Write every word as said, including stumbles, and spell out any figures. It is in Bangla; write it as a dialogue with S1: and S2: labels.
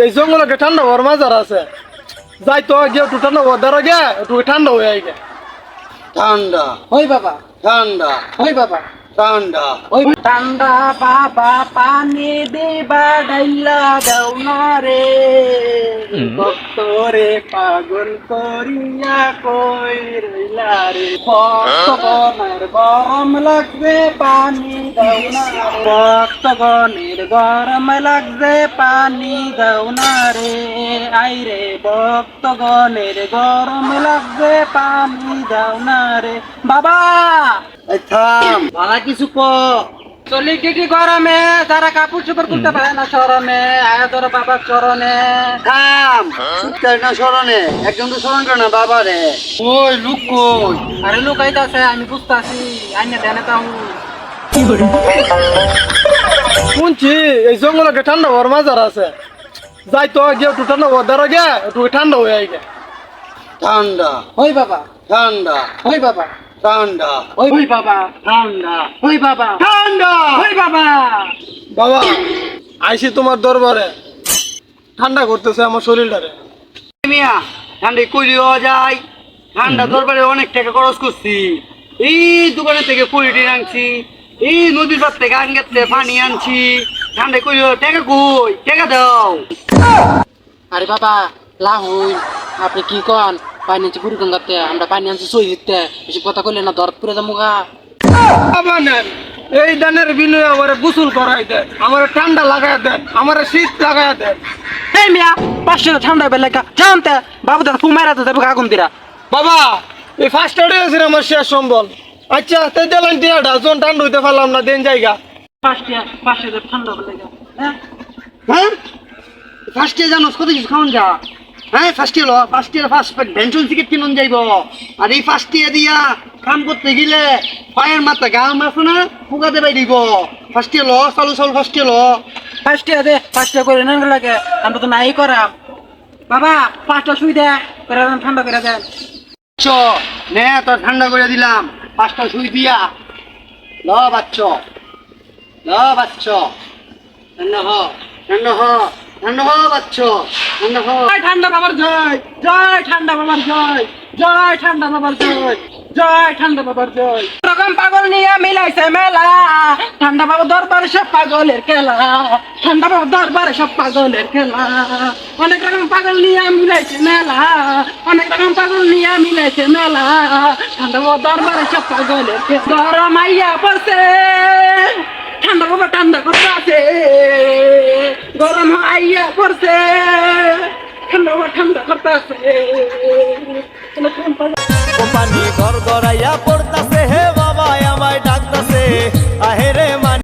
S1: এই জঙ্গলে ঠান্ডা হওয়ার মাজার আছে, যাই তো গিয়ে একটু ঠান্ডা হওয়ার দ্বারা গে একটু ঠান্ডা হয়ে আই গে।
S2: ঠান্ডা
S3: ওই বাবা,
S2: ঠান্ডা
S3: ওই বাবা,
S2: ঠান্ডা
S3: ওই ঠান্ডা বাবা পানি দেবা ডাইলা দাও না রে, ভক্তরে পাগল করিয়া কই রইলা রে, ভক্তগণের গরম লাগবে পানি দাও না রে, ভক্তগণের গরম লাগবে পানি দাও না রে, আই রে ভক্তগণের গরম লাগবে পানি দাও না রে। বাবা
S2: এই থাম ভাড়া কিছু ক
S3: চলি কি গরমে যারা কাপড় চোপড় করতে পারে না শরমে আয়া তোর বাবার চরণে।
S2: থাম সুতকার না স্মরণে একজন তো স্মরণ করে না বাবা রে। ওই লুক কই
S3: আরে লোক আইতাছে আমি বুঝতাছি আইনে দেনে তাও
S1: শুনছি এই জঙ্গলে ঠান্ডা হওয়ার মাজার আছে, যাই তো গিয়ে একটু ঠান্ডা হওয়ার দ্বারা গে একটু ঠান্ডা হয়ে আই গে।
S2: ঠান্ডা
S3: ওই বাবা,
S2: ঠান্ডা
S3: ওই বাবা,
S2: ঠান্ডা
S3: ওই ওই বাবা,
S2: ঠান্ডা
S3: ওই বাবা,
S2: ঠান্ডা
S3: ওই বাবা।
S1: বাবা আইসি তোমার দরবারে, ঠান্ডা করতেছে আমার শরীরটারে।
S2: মিয়া ঠান্ডা কইলিও যায়, ঠান্ডা দরবারে অনেক টাকা খরচ করছি, এই দোকানে থেকে কুড়িটি আনছি, এই নদীর পার থেকে আনগাতে পানি আনছি, ঠান্ডা কইলিও টাকা কই টাকা দাও।
S3: আরে বাবা লাহুই আপনি কি কন পানি আনছি বুড়ি গঙ্গাতে, আমরা পানি আনছি সই দিতে, এসব কথা কইলে না দরদ পুরে যাবো গা।
S1: বাবা নেন এই দানের বিনয়ে আমার গোসল করাই দেন, আমার ঠান্ডা লাগাই দেন, আমার শীত লাগাই দেন।
S3: এই মিয়া পাঁচশো ঠান্ডা বেলা জানতে বাবু দাদা ফুমাইরা তো দেবে আগুন দিরা।
S1: বাবা এই ফার্স্ট এডে আছে আমার শেষ সম্বল। আচ্ছা তাই দিলেন টিয়াটা জন ঠান্ডা হইতে পারলাম না দেন জায়গা।
S3: পাঁচটা পাঁচশো ঠান্ডা বেলা হ্যাঁ
S2: হ্যাঁ ফার্স্ট ইয়ার জানোস কত কিছু খাওয়ান যা, হ্যাঁ first year first year first ভেন্টুন টিকিট কিনুন যাইব, আর এই ফার্স্ট ইয়ার দিয়া কাম করতে গেলে পায়ের মাথা গাম আছে না ফুকা দেবাই দিব। ফার্স্ট ইয়ার ল চালু চালু ফার্স্ট ইয়ার ল
S3: পাঁচটা দে পাঁচটা করে নেন লাগে আমরা তো নাই করাম। বাবা পাঁচটা শুই দে করে দেন ঠান্ডা করে দেন।
S2: চ নে তোর ঠান্ডা করে দিলাম, পাঁচটা সুই দিয়া ল বাচ্চ ল বাচ্চ ঠান্ডা হ ঠান্ডা হ ঠান্ডা হ বাচ্চ ঠান্ডা হ।
S3: জয় ঠান্ডা বাবার জয়, জয় ঠান্ডা বাবার জয়, জয় ঠান্ডা বাবার জয়, জয় ঠান্ডা বাবার জয়। রকম পাগল নিয়ে মিলাইছে মেলা, ঠান্ডা বাবার দরবারে সব পাগলের খেলা, ঠান্ডা বাবার দরবারে সব পাগলের খেলা, অনেক রকম পাগল নিয়ে মিলাইছে মেলা, অনেক রকম পাগল নিয়ে মিলাইছে মেলা, ঠান্ডা বাবার দরবারে সব পাগলের খেলা। গরম আইয়া পড়ছে ঠান্ডা বাবা ঠান্ডা করতে আছে, গরম আইয়া পড়ছে ঠান্ডা বাবা ঠান্ডা করতে আছে।
S4: পানি ঘর গড়াইয়া পড়তাছে হে বাবা আমায় ডাকতাছে আহেরে।